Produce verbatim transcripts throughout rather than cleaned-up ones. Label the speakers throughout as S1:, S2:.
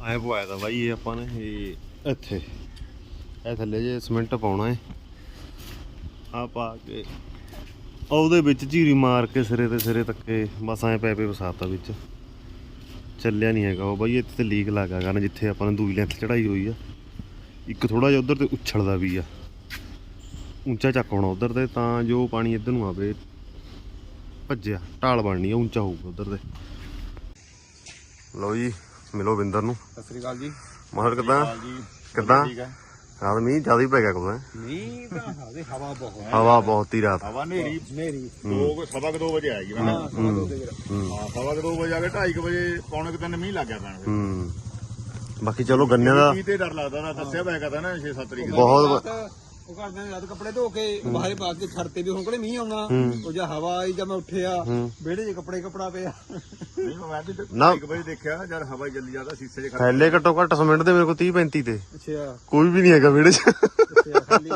S1: ਐ ਪਵਾਇਆ ਤਾਂ ਬਾਈ ਇਹ ਆਪਾਂ ਨੇ ਇਹ ਇੱਥੇ ਇਹ ਥੱਲੇ ਜੇ ਸੀਮੈਂਟ ਪਾਉਣਾ ਹੈ ਆ ਪਾ ਕੇ ਉਹਦੇ ਵਿੱਚ ਝੀਰੀ ਮਾਰ ਕੇ ਸਿਰੇ ਤੇ ਸਿਰੇ ਤੱਕੇ ਬਸ ਐਂ ਪੈਪੇ ਵਸਾਤਾ ਵਿੱਚ ਚੱਲਿਆ ਨਹੀਂ ਹੈਗਾ ਉਹ ਬਾਈ। ਇੱਥੇ ਤੇ ਲੀਕ ਲੱਗਾ ਕਰਨ ਜਿੱਥੇ ਆਪਾਂ ਨੇ ਦੂਈ ਲੈਂਥ ਚੜਾਈ ਹੋਈ ਆ ਇੱਕ ਥੋੜਾ ਜਿਹਾ ਉਧਰ ਤੇ ਉਛਲਦਾ ਵੀ ਆ ਉੱਚਾ ਚੱਕ ਹੋਣਾ ਉਧਰ ਤੇ ਤਾਂ ਜੋ ਪਾਣੀ ਇੱਧਰ ਨੂੰ ਆਵੇ ਭੱਜਿਆ ਢਾਲ ਬਣਨੀ ਆ ਉੱਚਾ ਹੋਊਗਾ ਉਧਰ ਤੇ। ਲਓ ਜੀ ਮਿਲੋ ਬਿੰਦਰ ਨੂੰ।
S2: ਸਤਿ ਸ੍ਰੀ ਅਕਾਲ ਜੀ।
S1: ਮਾਹਰ ਕਿੱਦਾਂ ਕਿੱਦਾਂ ਰਾਤ ਮੀਂਹ ਜ਼ਿਆਦਾ ਹੀ ਪੈ ਗਿਆ ਕੋਲ
S2: ਮੀਂਹ ਤਾਂ ਹਵਾ ਹਵਾ ਬਹੁਤ
S1: ਹਵਾ ਬਹੁਤ ਹੀ ਰਾਤ
S3: ਹਵਾ ਨੇਰੀ
S2: ਨੇਰੀ
S3: ਦੋ ਸਵਾ ਕੁ ਦੋ ਵਜੇ ਆਏਗੀ ਮੈਂ
S2: ਹਾਂ ਸਵਾ ਦੋ ਵਜੇ
S3: ਹਾਂ ਸਵਾ ਕੁ ਦੋ ਵਜੇ ਆ ਕੇ ਢਾਈ ਕੁ ਵਜੇ ਪੌਣੇ ਕੁ ਤਿੰਨ ਮੀਂਹ ਲੱਗ ਗਿਆ ਪੈਣ
S1: ਹੂੰ ਬਾਕੀ ਚਲੋ ਗੰਨਿਆਂ ਦਾ
S3: ਮੀਂਹ ਤੇ ਡਰ ਲੱਗਦਾ ਨਾ ਦੱਸਿਆ ਪਿਆ ਕਹਤਾ ਨਾ ਛੇ ਸੱਤ ਤਰੀਕ ਦਾ
S1: ਬਹੁਤ
S2: ਉਹ ਕਰਦੇ ਨੇ ਰਾਤ ਕੱਪੜੇ ਧੋ ਕੇ ਬਾਹਰੇ ਪਾ ਕੇ ਛੱਡਤੇ ਵੀ ਹੁਣ ਕੋਲੇ ਮੀਂਹ ਆਉਣਾ ਉਹ ਜਾਂ ਹਵਾ ਆਈ ਜਾਂ ਮੈਂ ਉੱਠਿਆ ਵਿਹੜੇ 'ਚ ਕੱਪੜੇ ਕੱਪੜਾ ਪਿਆ
S3: ਨਹੀਂ ਮੈਂ ਵੀ
S1: ਨਾ।
S3: ਢਾਈ ਕੁ ਵਜੇ ਦੇਖਿਆ ਜਦ ਹਵਾ ਚੱਲੀ ਜਾਂਦਾ ਸ਼ੀਸ਼ੇ 'ਚ ਖੜਾ
S1: ਥੈਲੇ ਘੱਟੋ ਘੱਟ ਸੀਮੈਂਟ ਦੇ ਮੇਰੇ ਕੋਲ ਤੀਹ ਪੈਂਤੀ ਤੇ
S2: ਅੱਛਾ
S1: ਕੋਈ ਵੀ ਨਹੀਂ ਹੈਗਾ ਵਿਹੜੇ 'ਚ
S2: ਅੱਛਾ ਖਾਲੀ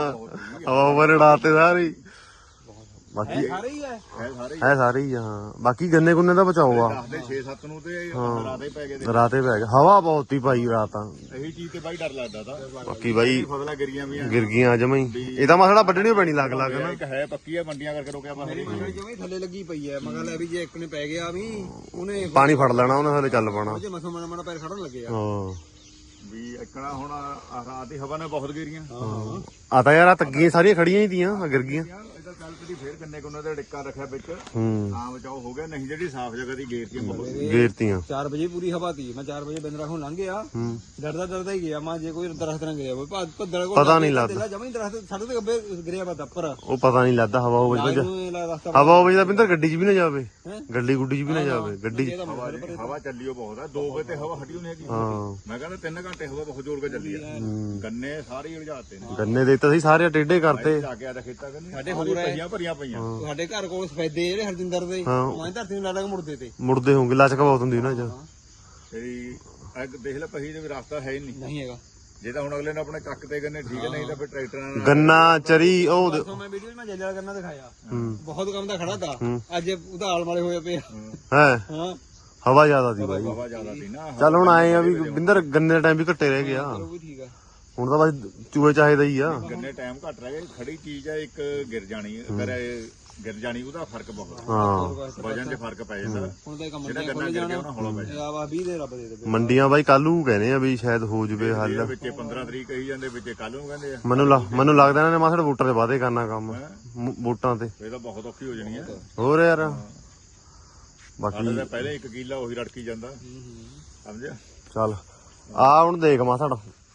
S1: ਹਵਾ ਉਪਰ ਉਡਾਤੇ ਸਾਰੇ ਹੀ। ਬਾਕੀ
S2: ਸਾਰੇ ਹੀ ਹੈ
S3: ਹੈ ਸਾਰੇ
S1: ਹੈ ਸਾਰੇ ਹੀ ਆ, ਹਾਂ। ਬਾਕੀ ਗੰਨੇ ਗੁੰਨੇ ਦਾ ਬਚਾਓ ਆ
S3: ਦੱਸਦੇ ਛੇ ਸੱਤ ਨੂੰ ਤੇ ਰਾਤੇ ਪੈ ਗਏ
S1: ਰਾਤੇ ਪੈ ਗਿਆ ਹਵਾ ਬਹੁਤ ਹੀ ਪਾਈ ਰਾਤ ਤਾਂ
S3: ਇਹੀ ਚੀਜ਼ ਤੇ ਬਾਈ ਡਰ ਲੱਗਦਾ ਤਾਂ
S1: ਬਾਕੀ ਬਾਈ
S3: ਫਸਲਾਂ ਗਿਰੀਆਂ ਵੀ ਆ
S1: ਗਿਰ ਗਈਆਂ ਜਮਾਂ ਹੀ। ਇਹ ਤਾਂ ਮਸਲਾ ਵੱਢਣੀ ਪੈਣੀ ਲੱਗ ਲੱਗ ਨਾ
S3: ਇੱਕ ਹੈ ਪੱਕੀ ਆ ਮੰਡੀਆਂ ਕਰਕੇ ਰੋਕਿਆ ਬਸ
S2: ਮੇਰੀ ਮੰਡਲੀ ਜਮੇ ਥੱਲੇ ਲੱਗੀ ਪਈ ਹੈ ਮਗਰ ਲੈ ਵੀ ਜੇ ਇੱਕ ਨੇ ਪੈ ਗਿਆ ਵੀ ਉਹਨੇ
S1: ਪਾਣੀ ਫੜ ਲੈਣਾ ਉਹਨੇ ਹਲੇ ਚੱਲ ਪਾਣਾ।
S2: ਜੇ ਮਸਾ ਮਾੜਾ ਮਾੜਾ ਪੈਰ ਖੜਨ ਲੱਗੇ ਆ
S1: ਹਾਂ
S3: ਵੀ ਇੱਕਣਾ ਹੁਣ ਆਹ ਰਾਤ ਦੀ ਹਵਾ ਨੇ ਬਹੁਤ ਗਿਰੀਆਂ
S2: ਹਾਂ
S1: ਆ ਤਾਂ ਯਾਰ ਆ ਤੱਗੀਆਂ ਸਾਰੀਆਂ ਖੜੀਆਂ ਹੀ ਤੀਆਂ ਆ ਗਿਰ ਗਈਆਂ।
S3: ਯਾਰ ਇਹਦਾ ਕੱਲ ਤੇਰੀ ਫੇਰ ਕੰਨੇ ਕੋਨੇ ਦਾ ਡਿੱਕਾ ਰੱਖਿਆ ਵਿੱਚ
S1: ਹੂੰ
S3: ਤਾਂ ਬਚਾਓ ਹੋ ਗਿਆ ਨਹੀਂ ਜਿਹੜੀ ਸਾਫ਼ ਜਗ੍ਹਾ ਦੀ ਗੇਰਤੀਆਂ ਬਹੁਤ
S1: ਗੇਰਤੀਆਂ
S2: ਚਾਰ ਵਜੇ ਪੂਰੀ ਹਵਾ ਤੀ ਮੈਂ ਚਾਰ ਵਜੇ ਬਿੰਦਰਾ ਖੋਂ ਲੰਘ ਗਿਆ
S1: ਹੂੰ
S2: ਡਰਦਾ ਡਰਦਾ ਹੀ ਗਿਆ ਮੈਂ ਜੇ ਕੋਈ ਦਰਖਤ ਨਾ ਗਿਰਿਆ ਹੋਵੇ ਭੱਦਲ ਕੋਲ
S1: ਪਤਾ ਨਹੀਂ ਲੱਗਦਾ
S2: ਜਮਾ ਹੀ ਦਰਖਤ ਸਾਡੇ ਤੇ ਗੱਬੇ ਗਿਰਿਆ ਵਾ ਦੱਪਰ
S1: ਉਹ ਪਤਾ ਨਹੀਂ ਲੱਗਦਾ ਹਵਾ ਹੋਵੇ ਜਾਂ
S2: ਰਸਤਾ
S1: ਹਵਾ ਹੋਵੇ ਤਾਂ ਬਿੰਦਰ ਗੱਡੀ 'ਚ ਵੀ ਨਾ ਜਾਵੇ
S2: ਹੈਂ?
S1: ਗੱਡੀ ਗੁੱਡੀ 'ਚ ਵੀ ਨਾ ਜਾਵੇ ਗੱਡੀ 'ਚ।
S3: ਹਵਾ ਚੱਲੀਓ ਬਹੁਤ ਆ ਦੋ ਵਜੇ ਤੇ ਹਵਾ ਹਟੀ ਨਹੀਂ ਹੈਗੀ
S1: ਹਾਂ
S3: ਮੈਂ ਕਹਿੰਦਾ ਤਿੰਨ ਘੰਟੇ ਹਵਾ ਬਹੁਤ ਜ਼ੋਰ ਕੇ ਚੱਲੀ ਆ ਗੰਨੇ ਸਾਰੇ ਹੀ ਉਲਝਾਤੇ ਨੇ
S1: ਗੰਨੇ ਦੇ ਤਾਂ ਸੀ ਸਾਰੇ ਟੇਢੇ ਕਰਤੇ
S3: ਜਾ ਕੇ ਆਦਾ ਖੇਤਾਂ ਕੰਨੇ
S2: ਸਾਡੇ ਹੋਰ ਹੈ।
S3: ਪਈਆਂ ਭਰੀਆਂ ਪਈਆਂ
S2: ਸਾਡੇ ਘਰ ਕੋਲ ਸਫੈਦੇ ਜਿਹੜੇ ਹਰਜਿੰਦਰ ਦੇ
S1: ਹਾਂ।
S2: ਮੈਂ ਧਰਤੀ ਨੂੰ ਲਾ ਲਾ ਕੇ ਮੁੜਦੇ ਤੇ
S1: ਮੁੜਦੇ ਹੋਣਗੇ ਲਚਕ ਬਹੁਤ ਹੁੰਦੀ ਨਾ ਜਾਂ
S3: ਤੇਰੀ ਅੱਗ ਦੇਖ ਲੈ ਪਹੀ ਦੇ ਵੀ ਰਸਤਾ ਹੈ ਹੀ ਨਹੀਂ
S2: ਨਹੀਂ ਹੈਗਾ
S3: ਜੇ ਤਾਂ ਹੁਣ ਅਗਲੇ ਨੇ ਆਪਣੇ ਚੱਕ ਤੇ ਗੰਨੇ ਠੀਕ ਹੈ ਨਹੀਂ ਤਾਂ ਫਿਰ ਟਰੈਕਟਰਾਂ ਨਾਲ
S1: ਗੰਨਾ ਚਰੀ ਉਹ ਦੇ-
S2: ਸੋ ਮੈਂ ਵੀਡੀਓ ਮੈਂ ਜੱਜਾ ਕਰਨਾ ਦਿਖਾਇਆ
S1: ਹੂੰ
S2: ਬਹੁਤ ਕੰਮ ਦਾ ਖੜਾ ਤਾ ਅੱਜ ਉਹਦਾ ਆਲ ਮਾਰੇ ਹੋਏ ਪਏ ਆ।
S1: ਹੈ
S2: ਹਾਂ
S1: ਹਵਾ ਜ਼ਿਆਦਾ ਸੀ ਬਾਈ।
S3: ਹਵਾ ਜ਼ਿਆਦਾ ਸੀ ਨਾ
S1: ਚੱਲ ਹੁਣ ਆਏ ਆ ਵੀ ਬਿੰਦਰ ਗੰਨੇ ਦਾ ਟਾਈਮ ਵੀ ਘੱਟੇ ਰਹਿ ਗਿਆ
S2: ਉਹ ਵੀ ਠੀਕ ਆ
S1: ਹੁਣ ਤਾਂ ਬਸ ਚੂਹੇ ਚਾਹੇ ਦਾ ਹੀ ਆ।
S3: ਗੰਨੇ ਟਾਈਮ ਘੱਟ ਰਹਿ ਗਏ ਖੜੀ ਚੀਜ਼ ਆ ਇੱਕ ਗਿਰ ਜਾਣੀ ਅਗਰ ਇਹ ਗਿਰ ਜਾਣੀ ਉਹਦਾ ਫਰਕ ਬਹੁਤ
S1: ਹਾਂ
S3: ਵਜਨ 'ਚ ਫਰਕ ਪੈ ਜਾਂਦਾ
S2: ਹੁਣ ਤਾਂ ਕੰਮ
S3: ਜਿਹੜਾ
S2: ਨਹੀਂ
S3: ਗੰਨਾ
S2: ਖੋਲ
S3: ਗਿਰ
S2: ਜਾਣਾ
S3: ਗਿਆ ਉਹਨਾਂ ਹੌਲਾ ਪੈ ਜਾਂਦਾ
S2: ਆ ਵਾ ਵੀਹ ਦੇ ਰੱਬ ਦੇ ਦੇ
S1: ਮੰਡੀਆਂ ਬਾਈ ਕੱਲੂ ਕਹਿੰਦੇ ਆ ਵੀ ਸ਼ਾਇਦ ਹੋ ਜਵੇ
S3: ਇਹਦੇ
S1: ਹੱਲ।
S3: ਵਿੱਚ ਪੰਦਰਾਂ ਤਰੀਕ ਕਹੀ ਜਾਂਦੇ ਵਿੱਚ ਕੱਲ ਨੂੰ ਕਹਿੰਦੇ ਆ
S1: ਮੈਨੂੰ ਲੱਗ- ਮੈਨੂੰ ਲੱਗਦਾ ਇਹਨਾਂ ਨੇ ਮਾਸੜ ਵੋਟਾਂ ਦੇ ਵਾਅਦੇ ਕਰਨਾ ਕੰਮ ਮ- ਵੋਟਾਂ ਤੇ
S3: ਇਹ ਤਾਂ ਬਹੁਤ ਔਖੀ ਹੋ ਜਾਣੀ ਆ
S1: ਹੋਰ ਯਾਰ
S3: ਸਾਡੇ
S1: ਬਾਕੀ
S3: ਤਾਂ ਪਹਿਲੇ ਇੱਕ ਕਿੱਲਾ ਉਹੀ ਰੜਕੀ ਜਾਂਦਾ ਸਮਝਿਆ
S1: ਚੱਲ ਆ ਹੁਣ ਦੇਖ ਮਾਸੜ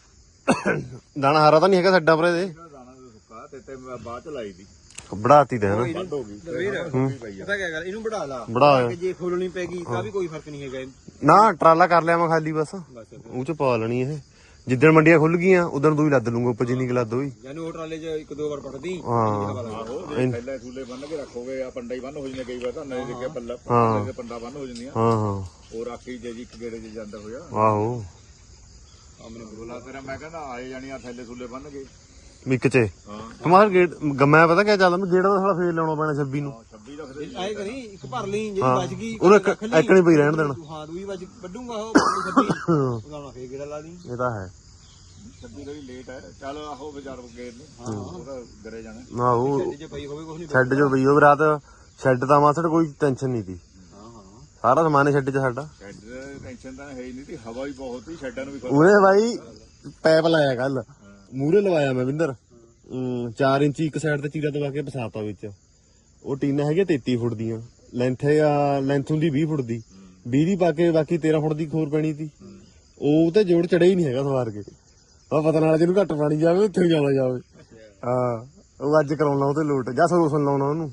S1: ਦਾਣਾ ਹਾਰਾ ਤਾਂ ਨਹੀਂ ਹੈਗਾ ਛੱਡਾ ਪਰੇ ਦੇ
S3: ਦਾਣਾ ਸੁੱਕਾ ਤੇ ਤੇ ਮੈਂ ਬਾਅਦ ਚ ਲਾਈ ਦੀ
S1: ਬੜਾਤੀ ਦੇ ਹਨਾ
S3: ਵੱਢ ਹੋ ਗਈ
S2: ਵੀਰ
S3: ਪਈ ਆ
S2: ਪਤਾ ਕੀ ਗੱਲ ਇਹਨੂੰ ਵਧਾ ਲਾ
S1: ਬੜਾ
S2: ਕਿ ਜੇ ਖੋਲਣੀ ਪੈਗੀ ਤਾਂ ਵੀ ਕੋਈ ਫਰਕ ਨਹੀਂ ਹੈਗਾ
S1: ਨਾ ਟਰਾਲਾ ਕਰ ਲਿਆ ਮੈਂ ਖਾਲੀ ਬਸ
S2: ਬਸ
S1: ਉਹ ਚ ਪਾ ਲੈਣੀ ਇਹ ਜਿੱਦਣ ਮੰਡੀਆਂ ਖੁੱਲ ਗਈਆਂ ਉਦੋਂ ਦੂਈ ਲੱਦ ਲੂੰਗਾ ਉੱਪਰ ਜਿੰਨੀ ਕੁ ਲੱਦ ਹੋਈ।
S2: ਜਾਨੂੰ ਉਹ ਟਰਾਲੇ 'ਚ ਇੱਕ ਦੋ ਵਾਰ ਪੜਦੀ
S1: ਹਾਂ
S3: ਆਹੋ ਜੇ ਪਹਿਲਾਂ ਥੂਲੇ ਬੰਨ ਕੇ ਰੱਖੋਗੇ ਆ ਪੰਡਾ ਹੀ ਬੰਨ ਹੋ ਜਾਂਦੇ ਕਈ ਵਾਰ ਤਾਂ ਨਹੀਂ ਦੇਖਿਆ ਪੱਲਾ ਪੱਲੇ ਦੇ ਪੰਡਾ ਬੰਨ ਹੋ ਜਾਂਦੀਆਂ
S1: ਹਾਂ ਹਾਂ
S3: ਉਹ ਰਾਖੀ ਜੇ ਜੀ ਇੱਕ ਗੇੜੇ 'ਚ ਜਾਂਦਾ ਹੋਇਆ
S1: ਆਹੋ
S3: ਆਮਨੇ ਬੋਲਾ ਤੇਰਾ ਮੈਂ ਕਹਿੰਦਾ ਆਏ ਜਾਣੀ ਆ ਥੱਲੇ ਥੂਲੇ ਬੰਨ ਕੇ
S1: ਮਿੱਕ ਚ
S3: ਹਾਂ
S1: ਕਮਾਲ ਗੇਟ ਗੰਮਾ ਪਤਾ ਕਿਆ ਚੱਲਦਾ ਮੈਂ ਗੇਟ ਦਾ ਸਾਲਾ ਫੇਰ ਲਾਉਣਾ ਪੈਣਾ ਛੱਬੀ ਨੂੰ
S3: ਛੱਬੀ ਰੱਖਦੇ
S2: ਆਏ ਕਰੀ ਇੱਕ ਭਰ ਲਈ ਜਿਹੜੀ ਬਚ ਗਈ
S1: ਉਹਨੂੰ ਇੱਕ ਇੱਕ ਨਹੀਂ ਪਈ ਰਹਿਣ ਦੇਣਾ।
S2: ਹਾਂ ਦੂਈ ਬਚ ਵੱਡੂਗਾ ਉਹ ਛੱਬੀ ਉਹਦਾ ਨਾ ਫੇਰ ਗੇੜਾ ਲਾ ਦੀ
S1: ਇਹ ਤਾਂ ਹੈ
S3: ਛੱਬੀ ਥੋੜੀ ਲੇਟ ਹੈ ਚੱਲ ਆਹੋ ਬਾਜ਼ਾਰ ਗੇੜ ਨੂੰ ਉਹਦਾ ਗਰੇ ਜਾਣਾ
S1: ਨਾ ਉਹ
S2: ਜੇ ਪਈ ਹੋਵੇ ਕੁਝ ਨਹੀਂ
S1: ਸ਼ੈੱਡ ਚ ਪਈ ਉਹ ਰਾਤ ਸ਼ੈੱਡ ਦਾ ਮਾਸੜ ਕੋਈ ਟੈਨਸ਼ਨ ਨਹੀਂ ਸੀ
S2: ਹਾਂ ਹਾਂ
S1: ਸਾਰਾ ਸਮਾਨ ਸ਼ੈੱਡ ਚ ਸਾਡਾ
S3: ਸ਼ੈੱਡ ਟੈਨਸ਼ਨ ਤਾਂ ਹੈ ਹੀ ਨਹੀਂ ਤੀ ਹਵਾ ਵੀ ਬਹੁਤ ਸੀ ਸ਼ੈੱਡਾਂ ਨੂੰ ਵੀ ਖੋਲ
S1: ਉਹਨੇ ਬਾਈ ਪੈਪ ਲਾਇਆ ਕੱਲ ਮੂਹਰੇ ਲਵਾਇਆ ਮੈਂ ਵਿੰਦਰ ਚਾਰ ਇੰਚੀ ਇੱਕ ਸਾਈਡ ਤੇ ਚੀਰਾ ਦਵਾ ਕੇ ਪਸਾਤਾ ਵਿੱਚ ਉਹ ਟੀਨਾਂ ਹੈਗੀਆਂ ਤੇਤੀ ਫੁੱਟ ਦੀਆਂ ਲੈਂਥ ਆ ਲੈਂਥ ਹੁੰਦੀ ਵੀਹ ਫੁੱਟ ਦੀ ਵੀਹ ਦੀ ਪਾ ਕੇ ਬਾਕੀ ਤੇਰਾਂ ਫੁੱਟ ਦੀ ਖੋਰ ਪੈਣੀ ਸੀ ਉਹ ਤੇ ਜੋੜ ਚੜਿਆ ਹੀ ਨਹੀਂ ਹੈਗਾ ਸਵਾਰ ਕੇ ਆ ਪਤਾ ਨਾਲ ਜਿਹਨੂੰ ਘੱਟ ਪਾਣੀ ਜਾਵੇ ਉੱਥੇ ਜਾਣਾ ਜਾਵੇ ਹਾਂ ਉਹ ਅੱਜ ਕਰਾਉਣਾ ਉਹਤੇ ਲੋਟ ਜਾਂ ਸੋਲੂਸ਼ਨ ਲਾਉਣਾ ਉਹਨੂੰ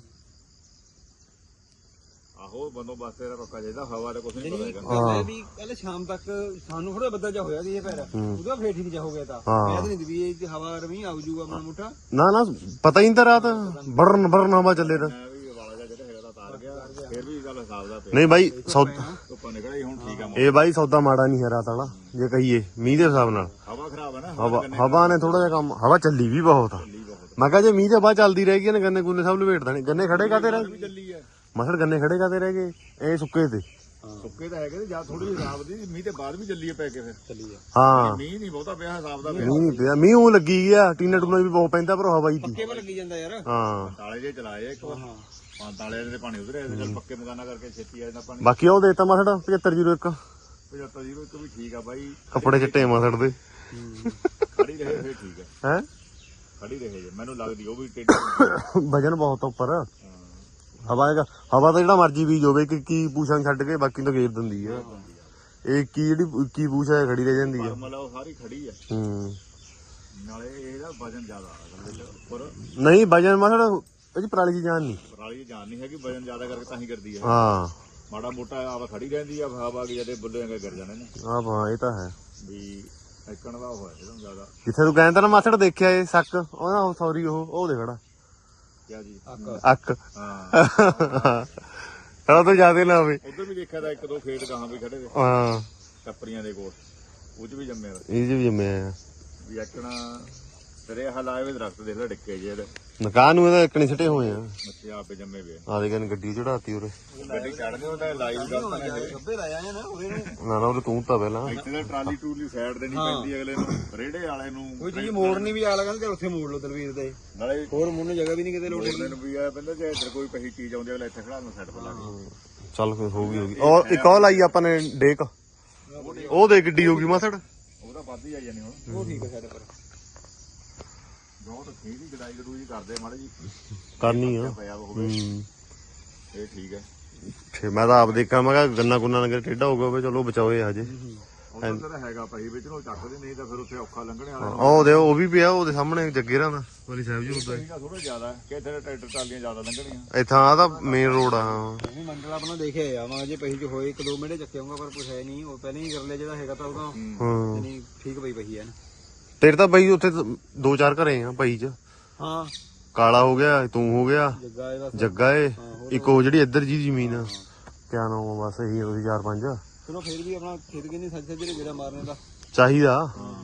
S3: ਆਹੋ ਬੰਦੋਬਸਤ ਤੇਰਾ ਪੱਕਾ ਚਾਹੀਦਾ ਹਵਾ ਦਾ ਕੁਝ ਨਹੀਂ ਪਤਾ ਹੈਗਾ
S2: ਗੱਲ ਵੀ ਕੱਲ ਸ਼ਾਮ ਤੱਕ ਸਾਨੂੰ ਥੋੜਾ ਬੱਦਲ ਜਾ ਹੋਇਆ ਸੀ ਇਹ ਪੈਰ ਉਹਦਾ ਫੇਰ ਠੀਕ ਜਾ ਹੋ ਗਿਆ ਤਾਂ ਮੈਂ ਤਾਂ ਨਹੀਂ ਵੀ ਇਹ ਹਵਾ ਰਵੀ ਆਉ ਜੂਗਾ ਮਨ ਮੁੱਠਾ
S1: ਨਾ ਨਾ ਪਤਾ ਹੀ ਨਹੀਂ ਤਾਂ ਰਾਤ ਬੜਨ ਬੜਨ ਹਵਾ ਚੱਲੇ ਤਾਂ
S3: ਮੈਂ ਵੀ ਵਾਲਾ ਜਿਹਾ ਜਿਹੜਾ ਹੈਗਾ ਤਾਂ ਤਾਰ ਗਿਆ ਫਿਰ ਵੀ ਗੱਲ ਹਿਸਾਬ ਦਾ ਪਿਆ
S1: ਨਹੀਂ ਬਾਈ ਸੌਦਾ
S3: ਧੁੱਪਾਂ ਨਿਕਲਿਆ ਹੁਣ ਠੀਕ ਆ
S1: ਇਹ ਬਾਈ ਸੌਦਾ ਮਾੜਾ ਨਹੀਂ ਹੈ ਰਾਤ ਵਾਲਾ ਜੇ ਕਹੀਏ ਮੀਂਹ ਦੇ ਹਿਸਾਬ ਨਾਲ
S3: ਹਵਾ ਖਰਾਬ ਹੈ ਨਾ
S1: ਹਵਾ ਹਵਾ ਨੇ ਥੋੜਾ ਜਿਹਾ ਕੰਮ ਹਵਾ ਚੱਲੀ ਵੀ ਬਹੁਤ ਆ ਮੈਂ ਕਿਹਾ ਜੇ ਮੀਂਹ ਦੇ ਬਾਅਦ ਚੱਲਦੀ ਰਹੇਗੀ ਨਾ ਗੰਨੇ ਗੁੰਨੇ ਸਭ ਲਵੇਟ ਦੇਣੇ ਗੰਨੇ ਖੜੇ ਕਾਤੇ ਰਹਿ
S3: ਚੱਲੀ ਹੈ
S1: ਮਸਲ ਗੰਨੇ ਖੜੇ ਕਾਤੇ ਰਹਿ ਗਏ ਇਹ ਸੁੱਕੇ ਤੇ
S3: ਸੁੱਕੇ ਤਾਂ ਹੈਗੇ ਤੇ ਜਾਂ ਥੋੜੀ ਹਿਸਾਬ ਦੀ ਮੀਂਹ ਤੇ ਬਾਅਦ ਵੀ ਚੱਲੀਏ ਪੈ ਕੇ ਫਿਰ
S2: ਚੱਲੀਏ
S1: ਹਾਂ
S3: ਮੀਂਹ ਨਹੀਂ ਬਹੁਤਾ ਪਿਆ ਹਿਸਾਬ ਦਾ
S1: ਮੀਂਹ ਨਹੀਂ ਪਿਆ ਮੀਂਹ ਉਹ ਲੱਗੀ ਗਿਆ ਟੀਨਾ ਟੂਨਾ ਵੀ ਬਹੁਤ ਪੈਂਦਾ ਪਰ ਹਵਾ ਹੀ ਦੀ
S2: ਪੱਕੇ ਪਰ ਲੱਗੀ ਜਾਂਦਾ ਯਾਰ
S1: ਹਾਂ
S3: ਤਾਲੇ ਜੇ ਚਲਾਏ ਇੱਕ ਵਾਰ
S2: ਹਾਂ
S3: ਪੰਜ ਤਾਲੇ ਦੇ ਪਾਣੀ ਉਧਰ ਆਇਆ ਚੱਲ ਪੱਕੇ ਮਕਾਨਾ ਕਰਕੇ ਛੇਤੀ ਆ ਜਾਂਦਾ ਪਾਣੀ
S1: ਬਾਕੀ ਉਹ ਦੇਤਾ ਮਸੜ ਪਝੱਤਰ ਜ਼ੀਰੋ ਇੱਕ
S3: ਪਝੱਤਰ ਜੀਰੋ ਇੱਕ ਵੀ ਠੀਕ ਆ ਬਾਈ
S1: ਕੱਪੜੇ ਚਿੱਟੇ ਮਸੜ ਦੇ
S3: ਖੜੀ ਰਹੇ ਫਿਰ ਠੀਕ ਹੈ
S1: ਹੈ
S3: ਖੜੀ ਰਹੇ ਜੇ ਮੈਨੂੰ ਲੱਗਦੀ ਉਹ ਵੀ ਟੇਢੀ
S1: ਵਜਨ ਬਹੁਤ ਆ ਉੱਪਰ ਹਵਾ ਹੈਗਾ ਹਵਾ ਤਾਂ ਜਿਹੜਾ ਮਰਜੀ ਬੀਜ ਹੋਵੇ ਕਿ ਕੀ ਪੂਛਾਂ ਛੱਡ ਕੇ ਬਾਕੀ ਤਾਂ ਗੇਰ ਦਿੰਦੀ ਆ ਇਹ ਕੀ ਜਿਹੜੀ ਕੀ ਪੂਛ ਹੈ ਖੜੀ ਰਹਿ ਜਾਂਦੀ ਆ
S3: ਮਤਲਬ ਉਹ ਸਾਰੀ ਖੜੀ ਆ
S1: ਹੂੰ
S3: ਨਾਲੇ ਇਹਦਾ ਵਜਨ ਜ਼ਿਆਦਾ ਆ ਅਸਲ ਵਿੱਚ ਉੱਪਰ
S1: ਨਹੀਂ ਵਜਨ ਮਸੜ ਇਹ ਚ ਪਰਾਲੀ ਦੀ ਜਾਨ ਨਹੀਂ
S3: ਪਰਾਲੀ ਜਾਨ ਨਹੀਂ ਹੈਗੀ ਵਜਨ ਜ਼ਿਆਦਾ ਕਰਕੇ ਤਾਂ ਹੀ ਕਰਦੀ ਹੈ
S1: ਹਾਂ
S3: ਮਾੜਾ ਮੋਟਾ ਆਵਾ ਖੜੀ ਰਹਿੰਦੀ ਆ ਹਵਾ ਗਈ ਜਦੇ ਬੁੱਲੇ ਗਿਰ ਜਾਣੇ ਨੇ
S1: ਹਾਂ ਹਾਂ ਇਹ ਤਾਂ ਹੈ
S3: ਵੀ ਇੱਕਣ ਦਾ ਹੋਇਆ ਇਹਦਾ ਜ਼ਿਆਦਾ
S1: ਜਿੱਥੇ ਤੂੰ ਕਹਿੰਦਾ ਨਾ ਮਾਸੜ ਦੇਖਿਆ ਇਹ ਸੱਕ ਉਹ ਨਾ ਸੌਰੀ ਉਹ ਉਹ ਦੇ ਖੜਾ
S3: ਕਿਆ ਜੀ
S1: ਅੱਕ
S3: ਹਾਂ
S1: ਉਹ ਤਾਂ ਜ਼ਿਆਦਾ ਨਾ ਹੋਵੇ
S3: ਉਧਰ ਵੀ ਦੇਖਿਆ ਤਾਂ ਇੱਕ ਦੋ ਖੇਤ ਗਾਹਾਂ ਵੀ ਖੜੇ ਨੇ
S1: ਹਾਂ
S3: ਟੱਪਰੀਆਂ ਦੇ ਕੋਲ ਉਹ ਚ ਵੀ ਜੰਮੇ ਵਾ।
S1: ਇਹ ਜੀ ਜੰਮਿਆ
S3: ਵੀ ਇੱਕਣਾ ਤੇਰੇ ਹਲਾਏ ਵੇ ਦਰਖਤ ਦੇਖ ਲੈ ਡਿੱਕੇ ਜੇ ਇਹਦੇ
S1: ਨਕਾਹ ਨੂੰ ਇਹਦਾ ਇਕਣੀ ਸਿੱਟੇ ਹੋਏ ਆ
S3: ਮੱਛੀ ਆਪੇ ਜੰਮੇ ਵੇ
S1: ਆ ਦੇ ਕਹਿੰਦੇ ਗੱਡੀ ਚੜਾਤੀ ਉਰੇ
S3: ਗੱਡੀ ਚੜਦੇ ਉਹਦਾ ਲਾਈਵ ਗਲਤ ਨੇ ਇਹ।
S2: ਗੱਬੇ ਲਾਇਆ ਨੇ ਨਾ ਉਹਦੇ ਨੂੰ
S1: ਨਾ ਨਾ ਉਹ ਤੂੰ ਤਾਂ ਪਹਿਲਾਂ
S3: ਇੱਥੇ ਤਾਂ ਟਰਾਲੀ ਟੂਲੀ ਸਾਈਡ ਦੇਣੀ ਪੈਂਦੀ ਅਗਲੇ ਨੂੰ ਰੇੜੇ ਵਾਲੇ ਨੂੰ
S2: ਕੋਈ ਚੀਜ਼ ਮੋੜਨੀ ਵੀ ਆਲਾ ਕਹਿੰਦੇ ਉੱਥੇ ਮੋੜ ਲਓ ਦਲਵੀਰ ਦੇ
S3: ਨਾਲੇ
S2: ਹੋਰ ਮੁੰਨ ਜਗ੍ਹਾ ਵੀ ਨਹੀਂ ਕਿਤੇ ਲੋੜ
S3: ਅਗਲੇ ਨੂੰ ਵੀ ਆ ਪੈਂਦਾ ਜੇ ਇੱਧਰ ਕੋਈ ਪਹੀ ਚੀਜ਼ ਆਉਂਦੀ ਅਗਲੇ ਇੱਥੇ ਖੜਾ ਨੂੰ ਸਾਈਡ ਪਰ ਲਾ ਕੇ
S1: ਚੱਲ ਫਿਰ ਹੋ ਗਈ ਹੋ ਗਈ ਔਰ ਇੱਕ ਉਹ ਲਾਈ ਆਪਾਂ ਨੇ ਡੇਕ ਉਹ ਦੇ ਗੱਡੀ ਹੋ ਗਈ ਮਾਸੜ
S3: ਉਹਦਾ ਵੱਧ ਹੀ ਆ ਜਾਣੀ ਹੁਣ
S2: ਉਹ ਠੀਕ ਹੈ ਸਾਡੇ ਪਰ
S3: ਬਹੁਤ ਠੀਕ ਹੀ ਗਡਾਈ ਗਡੂਈ ਕਰਦੇ ਮਾੜੇ ਜੀ
S1: ਕਰਨੀ ਆ
S3: ਪਿਆ ਹੋਵੇ
S1: ਹੂੰ
S3: ਇਹ ਠੀਕ ਹੈ
S1: ਫੇ ਮੈਂ ਤਾਂ ਆਪ ਦੇਖਾਂ ਮੈਂ ਕਿਹਾ ਗੰਨਾ ਗੁੰਨਾ ਨਗਰ ਟੇਢਾ ਹੋ ਗਿਆ ਹੋਵੇ ਚਲੋ ਬਚਾਓਏ ਹਜੇ
S3: ਉਹਨਾਂ ਦਾ ਹੈਗਾ ਪਹੀ ਵਿੱਚ ਨੂੰ ਚੱਕਦੇ ਨਹੀਂ ਤਾਂ ਫਿਰ ਉੱਥੇ ਔਖਾ ਲੰਘਣੇ ਵਾਲਾ
S1: ਉਹ ਦੇ ਉਹ ਵੀ ਪਿਆ ਉਹਦੇ ਸਾਹਮਣੇ ਜੱਗੇਰਾਂ ਦਾ ਵਾਲੀ ਸਾਹਿਬ ਜੀ ਹੁੰਦਾ
S3: ਇਹਦਾ ਥੋੜਾ ਜ਼ਿਆਦਾ ਕਿ ਇੱਥੇ ਟਰੈਕਟਰ ਟਰਾਲੀਆਂ ਜ਼ਿਆਦਾ ਲੰਘਣੀਆਂ
S1: ਇੱਥਾਂ ਆ ਤਾਂ ਮੇਨ ਰੋਡ ਆ ਹਾਂ
S2: ਨਹੀਂ ਮੰਡਲ ਆਪਣਾ ਦੇਖਿਆ ਆ ਮੈਂ ਜੇ ਪਹੀ ਚ ਹੋਏ ਇੱਕ ਦੋ ਮਿੰਟ ਚੱਕੇ ਆਉਂਗਾ ਪਰ ਕੁਛ ਹੈ ਨਹੀਂ ਉਹ ਪਹਿਲਾਂ ਹੀ ਕਰ ਲਿਆ ਜਿਹੜਾ ਹੈਗਾ ਤਾਂ ਉਹਦਾ
S1: ਹਾਂ
S2: ਨਹੀਂ ਠੀਕ ਪਈ ਪਈ ਹੈ ਨਾ
S1: ਤੇਰੇ ਤਾਂ ਬਈ ਉੱਥੇ ਦੋ ਚਾਰ ਘਰੇ ਆ ਭਾਈ ਚ
S2: ਹਾਂ
S1: ਕਾਲਾ ਹੋ ਗਿਆ ਤੂੰ ਹੋ ਗਿਆ
S2: ਜੱਗਾ ਇਹ ਬਸ
S1: ਜੱਗਾ ਏ ਇੱਕ ਉਹ ਜਿਹੜੀ ਇੱਧਰ ਜੀ ਜ਼ਮੀਨ ਆ ਕਿਆ ਨਾਮ ਆ ਬਸ ਇਹੀ ਉਹਦੀ ਚਾਰ ਪੰਜ
S2: ਚਲੋ ਫੇਰ ਵੀ ਆਪਣਾ ਖੇਤ ਕਿੰਨੀ ਸੱਜ ਸੱਜ ਜਿਹੜਾ ਮਾਰਨੇ ਦਾ
S1: ਚਾਹੀਦਾ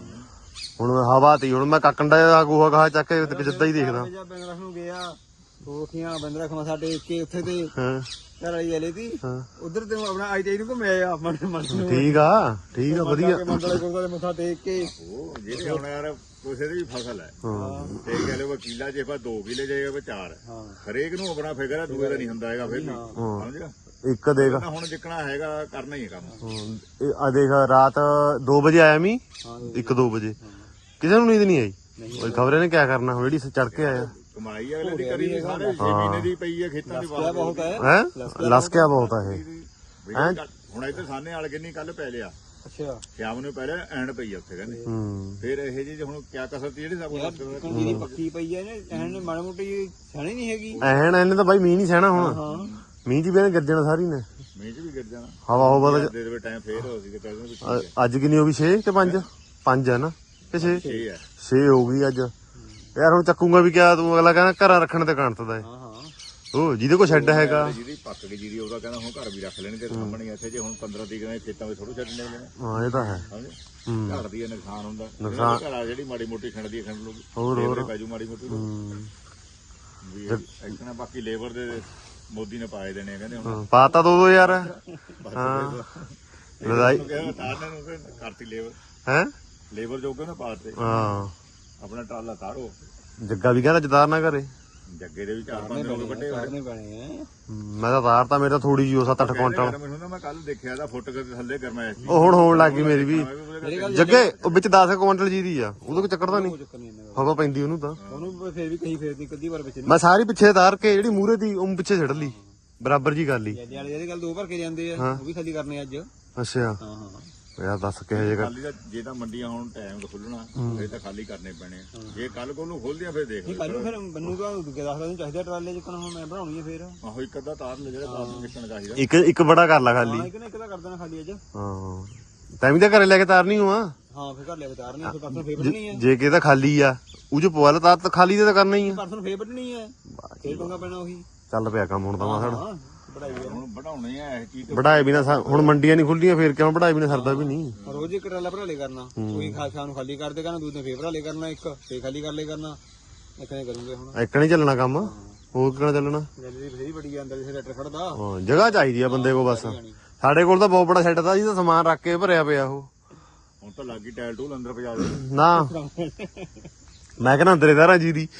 S1: ਹੁਣ ਹਵਾ ਤੀ ਹੁਣ ਮੈਂ ਕਾਕੰਡਾ ਦਾ ਗੋਹਾ ਗਾਹ ਚੱਕ ਕੇ ਤੇ ਜਿੱਦਾਂ ਹੀ ਦੇਖਦਾ
S2: ਜਾਂ ਬੰਗਰਖ ਨੂੰ ਗਿਆ ਕੋਖੀਆਂ ਬੰਦਰਖ ਮਾ ਸਾਡੇ ਇੱਕੇ ਉੱਥੇ ਤੇ
S1: ਹਾਂ
S2: ਘਰ ਵਾਲੀ ਵਾਲੇ ਦੀ
S1: ਹਾਂ
S2: ਉਧਰ ਤੇ ਆਪਣਾ ਆਈ ਤੇ ਨੂੰ ਘੁੰਮਿਆ ਆ ਮਨ ਮਨ ਨੂੰ
S1: ਠੀਕ ਆ ਠੀਕ ਆ ਵਧੀਆ
S2: ਮੰਡਲੇ ਗੁਰਦੁਆਰੇ ਮੱਥਾ ਟੇਕ ਕੇ
S3: ਉਹ ਜਿਹੜੇ ਹੁਣ ਯਾਰ ਕਿਸੇ ਦੀ ਵੀ ਫਸਲ ਹੈ
S1: ਹਾਂ
S3: ਤੇ ਕਹ ਲਓ ਕਿੱਲਾ ਜੇ ਆਪਾਂ ਦੋ ਕਿੱਲੇ ਜਾਏਗਾ ਵਾ ਚਾਰ
S2: ਹਾਂ
S3: ਹਰੇਕ ਨੂੰ ਆਪਣਾ ਫਿਕਰ ਹੈ ਦੂਏ ਦਾ ਨਹੀਂ ਹੁੰਦਾ ਹੈਗਾ ਫਿਰ ਵੀ
S1: ਹਾਂ
S3: ਸਮਝਿਆ
S1: ਇੱਕ ਦੇਖ
S3: ਤਾਂ ਹੁਣ ਜਿੱਕਣਾ ਹੈਗਾ ਕਰਨਾ ਹੀ ਹੈ ਕੰਮ
S1: ਆ ਦੇਖ ਰਾਤ ਦੋ ਵਜੇ ਆਇਆ ਮੀ
S2: ਹਾਂ
S1: ਇੱਕ ਦੋ ਵਜੇ ਕਿਸੇ ਨੂੰ ਨੀਂਦ ਨਹੀਂ ਆਈ ਉਹ ਖਬਰੇ ਨੇ ਕਿਆ ਕਰਨਾ ਜਿਹੜੀ ਚੜ ਕੇ ਆਇਆ
S3: ਕਮਾਈ ਅਗਲੇ ਦੀ ਕਰੀ ਨਹੀਂ ਸਾਰੇ ਛੇ ਮਹੀਨੇ ਦੀ ਪਈ ਹੈ ਖੇਤਾਂ ਦੀ
S2: ਕਿਆ ਬਹੁਤ ਹੈ
S1: ਹੈ ਲਸਕਿਆ ਬਹੁਤ ਆ ਇਹ
S3: ਵੀ ਹੁਣ ਇੱਥੇ ਸਾਨੇ ਵਾਲ ਕਿੰਨੀ ਕੱਲ ਪੈ ਲਿਆ
S2: ਅੱਛਾ
S3: ਸ਼ਾਮ ਨੂੰ ਪਹਿਲੇ ਐਂਡ ਪਈ ਆ ਉੱਥੇ ਕਹਿੰਦੇ
S1: ਹੂੰ
S3: ਫਿਰ ਇਹ ਜੀ ਹੁਣ ਕਿਆ ਕਸਰ ਤੀ ਜਿਹੜੀ ਸਭ
S2: ਯਾਰ ਜਿੱਕਣ ਜਿਹੜੀ ਪੱਕੀ ਪਈ ਹੈ ਨੇ ਐਨ ਮਾੜੀ ਮੋਟੀ ਸਹਿਣੀ ਨਹੀਂ ਹੈਗੀ
S1: ਐਨ ਇਹਨੇ ਤਾਂ ਬਾਈ ਮੀਂਹ ਨਹੀਂ ਸਹਿਣਾ ਹੁਣ
S2: ਹਾਂ
S1: ਮੀਂਹ ਦੀ ਵੀ ਇਹਨੇ ਗਿਰਜਣਾ ਸਾਰੀ ਨੇ
S3: ਮੀਂਹ ਚ ਵੀ ਗਿਰ ਜਾਣਾ
S1: ਹਵਾ ਹੋਵਾ ਤਾਂ
S3: ਦੇ ਦੇਵੇ ਟਾਈਮ ਫੇਰ ਹੋ ਸੀ ਤੇ ਕਹਿੰਦੇ ਵੀ
S1: ਅ- ਅੱਜ ਕਿੰਨੀ ਹੋ ਗਈ ਛੇ ਕਿ ਪੰਜ ਪੰਜ ਹੈ ਨਾ ਕਿ ਛੇ
S3: ਛੇ ਹੈ
S1: ਛੇ ਹੋ ਗਈ ਅੱਜ ਯਾਰ ਹੁਣ ਚੱਕੂਗਾ ਵੀ ਕਿਆ ਤੂੰ ਅਗਲਾ ਕਹਿੰਦਾ ਘਰਾਂ ਰੱਖਣ ਤੇ ਕਣਤਦਾ
S2: ਹਾਂ ਹਾਂ
S1: ਉਹ ਜਿਹਦੇ ਕੋਲ ਸ਼ੈੱਡ ਹੈਗਾ
S3: ਜਿਹਦੀ ਪੱਕ ਗਈ ਜੀਰੀ ਉਹਦਾ ਕਹਿੰਦਾ ਹੁਣ ਘਰ ਵੀ ਰੱਖ ਲੈਣੇ ਤੇ ਸਾਹਮਣੇ ਇੱਥੇ ਜੇ ਹੁਣ ਪੰਦਰਾਂ ਤੀਹ ਦਿਨਾਂ ਖੇਤਾਂ ਵਿੱਚ ਥੋੜੂ ਛੱਡਣੇ ਨੇ
S1: ਹਾਂ ਇਹ ਤਾਂ ਹੈ
S3: ਸਮਝੇ
S1: ਹੂੰ
S3: ਘਰ ਦੀ ਇਹ ਨੁਕਸਾਨ ਹੁੰਦਾ
S1: ਨੁਕਸਾਨ-
S3: ਘਰ ਆ ਜਿਹੜੀ ਮਾੜੀ ਮੋਟੀ ਖੰਡ ਦੀ ਖੰਡ ਲੂ
S1: ਹੋਰ ਹੋਰ
S3: ਬਾਜੂ ਮਾੜੀ ਮੋਟੀ ਲਊ।
S1: ਹੂੰ।
S3: ਵੀ ਇੱਕਣਾ ਬਾਕੀ ਲੇਬਰ ਦੇ ਮੋਦੀ ਨੇ ਪਾਏ ਦੇਣੇ ਆ ਕਹਿੰਦੇ ਹੁਣ
S1: ਹਾਂ, ਪਾਤਾ ਦੋ ਦੋ ਯਾਰ ਹਾਂ ਲੜਾਈ
S3: ਕਹਿੰਦਾ ਤਾਰਨੇ ਨੂੰ ਫਿਰ ਕਰਤੀ ਲੇਬਰ
S1: ਹੈ
S3: ਲੇਬਰ ਜੋ ਕਹਿੰਦਾ ਪਾਤੇ
S1: ਹਾਂ
S3: ਆਪਣਾ ਟਰਾਲਾ ਤਾਰੋ
S1: ਜੱਗਾ ਵੀ ਕਹਿੰਦਾ ਜਦਾਰ ਨਾ ਕਰੇ
S3: ਜੱਗੇ ਦੇ ਵੀ ਚਾਰ ਪੰਜ ਲੋਕ ਵੱਡੇ ਹੋਏ
S2: ਕਰਨੇ ਪੈਣੇ ਆ
S1: ਮੈਂ ਤਾਂ ਤਾਰਤਾ ਮੇਰਾ ਥੋੜੀ ਜਿਹੀ ਸੱਤ ਅੱਠ ਕੁਇੰਟਲ
S3: ਮੈਨੂੰ ਨਾ ਮੈਂ ਕੱਲ ਦੇਖਿਆ ਦਾ ਫੁੱਟ ਕੇ ਥੱਲੇ ਗਰਮੈਸ਼ ਸੀ
S1: ਉਹ ਹੁਣ ਹੋਣ ਲੱਗ ਗਈ ਮੇਰੀ ਵੀ
S2: ਮੇਰੇ ਗੱਲ
S1: ਜੱਗੇ ਉਹ ਵਿੱਚ ਦਸ ਕੁਇੰਟਲ ਜੀ ਦੀ ਆ ਉਹਦੇ ਕੋ ਚੱਕਰਦਾ ਨਹੀਂ
S2: ਚੱਕਰ ਨਹੀਂ ਇਹਨਾਂ
S1: ਹਵਾ ਪੈਂਦੀ ਉਹਨੂੰ ਤਾਂ
S2: ਦਾ ਉਹਨੂੰ ਫੇਰ ਵੀ ਕਹੀ ਫੇਰਦੀ ਕਦੀ ਵਾਰ ਵਿੱਚ ਨਹੀਂ
S1: ਮੈਂ ਸਾਰੀ ਪਿੱਛੇ ਤਾਰ ਕੇ ਜਿਹੜੀ ਮੂਰੇ ਦੀ ਉਹ ਪਿੱਛੇ ਛੱਡ ਲਈ ਬਰਾਬਰ ਜੀ ਕਰ ਲਈ
S2: ਜੱਦੇ ਵਾਲੇ ਜਿਹੜੇ ਗੱਲ ਦੋ ਭਰ ਕੇ ਜਾਂਦੇ ਆ ਉਹ ਵੀ ਖਾਲੀ ਕਰਨੇ ਅੱਜ
S1: ਅੱਛਾ
S2: ਹਾਂ ਹਾਂ
S1: ਯਾਰ ਦੱਸ ਕਿਹੋ ਜਿਹਾ
S3: ਖਾਲੀ ਦਾ ਜੇ ਤਾਂ ਮੰਡੀਆਂ ਹੁਣ ਟਾਈਮ ਤੋਂ ਖੁੱਲਣਾ ਫਿਰ ਤਾਂ ਖਾਲੀ ਕਰਨੇ ਪੈਣੇ ਆ। ਜੇ ਕੱਲ ਕੋਲ ਨੂੰ ਖੋਲਦੀਆਂ ਫਿਰ ਦੇਖ
S2: ਨਹੀਂ ਕੱਲ ਨੂੰ ਫਿਰ ਮੈਨੂੰ ਤਾਂ ਦੂਜੇ ਦਸ ਦਿਨ ਚਾਹੀਦਾ ਟਰਾਲੇ ਜਿੱਕਣ ਹੁਣ ਮੈਂ ਬਣਾਉਣੀ ਹੈ ਫੇਰ
S3: ਆਹੋ ਇੱਕ ਅੱਧਾ ਤਾਰ ਲੈ ਜਿਹੜਾ ਤਾਰ ਨੂੰ ਨਿਕਲਣਾ ਚਾਹੀਦਾ
S1: ਇੱਕ ਇੱਕ ਬੜਾ ਕਰ ਲਾ ਖਾਲੀ
S2: ਹਾਂ ਇੱਕ ਨਾ ਇੱਕ ਤਾਂ ਕਰ ਦੇਣਾ ਖਾਲੀ ਅੱਜ
S1: ਹਾਂ ਤੈਨੂੰ ਤਾਂ ਘਰੇ ਲੈ ਕੇ ਤਾਰਨੀ ਹੋਆ
S2: ਹਾਂ ਫੇਰ ਘਰ ਲੈ ਵਿਚਾਰ ਨਹੀਂ ਫਿਰ ਪਰਸੋਂ ਫੇਰ ਵੱਢਣੀ ਹੈ
S1: ਜੇ ਕਿਤੇ ਖਾਲੀ ਆ ਉਹ ਚ ਪਵਾ ਲਾ ਤਾਰ ਤਾਂ ਖਾਲੀ ਤੇ ਤਾਂ ਕਰਨਾ ਹੀ ਆ
S2: ਪਰਸੋਂ ਫੇਰ ਵੱਢਣੀ ਹੈ ਫੇਰ ਪੰਗਾ ਪੈਣਾ ਉਹੀ
S1: ਚੱਲ ਪਿਆ ਕੰਮ ਹੁਣ ਤਾਂ ਮਾਸੜ
S2: ਹਾਂ ਬੜਾਈ ਹੈ
S3: ਹੁਣ ਬਣਾਉਣੇ ਆ ਇਹ ਚੀਜ਼
S1: ਵਢਾਏ ਬਿਨਾ ਹੁਣ ਮੰਡੀਆਂ ਨਹੀਂ ਖੁੱਲੀਆਂ ਫੇਰ ਕਿਉਂ ਵਢਾਏ ਬਿਨਾ ਸਰਦਾ ਵੀ ਨਹੀਂ
S2: ਰੋਜ਼ ਇੱਕ ਟਰਾਲਾ ਭਰਾ ਲੈ ਕਰਨਾ ਕੋਈ ਖਾ ਸ਼ਾਮ ਨੂੰ ਖਾਲੀ ਕਰ ਦੇ ਕਰਨਾ ਦੂਜੇ ਫੇਰ ਭਰਾ ਲੈ ਕਰਨਾ ਇੱਕ ਫੇਰ ਖਾਲੀ ਕਰ ਲੈ ਕਰਨਾ ਇਕਨੇ ਕਰੂੰਗੇ ਹੁਣ
S1: ਇੱਕ ਨਹੀਂ ਚੱਲਣਾ ਕੰਮ ਹੋਰ ਕਿਹੜਾ ਚੱਲਣਾ
S2: ਜਲਦੀ ਫੇਰ ਬੜੀ ਅੰਦਰ ਜਿੱਥੇ ਟਰੈਕਟਰ ਖੜਦਾ
S1: ਹਾਂ ਜਗ੍ਹਾ ਚਾਹੀਦੀ ਆ ਬੰਦੇ ਕੋ ਬਸ ਸਾਡੇ ਕੋਲ ਤਾਂ ਬਹੁਤ ਬੜਾ ਸੈੱਟ ਤਾ ਜੀ, ਤਾਂ ਸਮਾਨ ਰੱਖ ਕੇ ਭਰਿਆ ਪਿਆ ਉਹ।
S3: ਹੁਣ ਤਾਂ ਲੱਗੀ ਟਾਇਲ ਟੂਲ ਅੰਦਰ ਪਜਾ ਦੇ
S1: ਨਾ ਮੈਂ ਕਹਿੰਦਾ ਅੰਦਰੇ ਸਾਰਾ ਜੀ ਦੀ